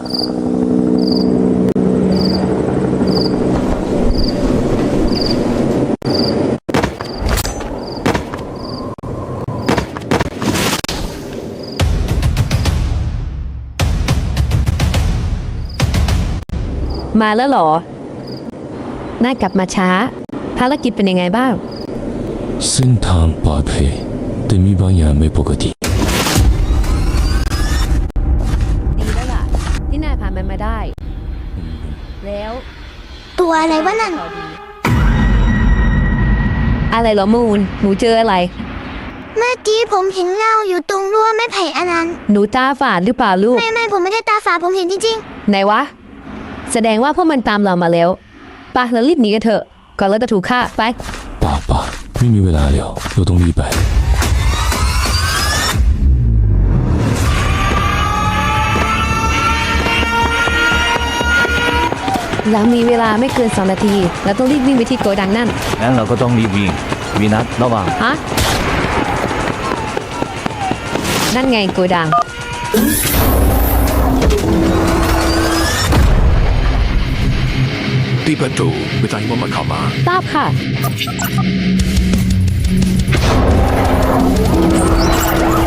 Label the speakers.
Speaker 1: มาแล้วเหรอน่ากลับมาช้าภารกิจเป็นยังไงบ้าง
Speaker 2: เส้นทางปลอดภัยแต่มีบางอย่างไม่ปกติ
Speaker 1: ดีแล้วล่ะที่นายผ่านมันมาได้แล้ว
Speaker 3: ตัวอะไรวะนั่น
Speaker 1: อะไรเหรอมูนหนูเจออะไร
Speaker 3: เมื่อกี้ผมเห็นเงาอยู่ตรงรั้วไม้ไผ่อันนั้น
Speaker 1: หนูตาฝาดหรือเปล่าลูก
Speaker 3: ไม่ผมไม่ได้ตาฝาดผมเห็นจริง
Speaker 1: ไหนวะแสดงว่าพวกมันตามเรามาแล้วไปเรารีบหนีกันเถอะก่อนเราจะถูกฆ่าไป
Speaker 2: ป่าไม่มีเวลาแล้วเราต้องรีบไป
Speaker 1: เรามีเวลาไม่เกิน2 นาทีเราต้องรีบวิ่งไปที่โกดังนั่น
Speaker 4: งั้นเราก็ต้องรีบวิ่งวีนัสระวัง
Speaker 1: ฮะนั่นไงโกดัง
Speaker 5: ปิดประตูไม่ต้องให้มันเข้ามา
Speaker 1: ทราบค่ะ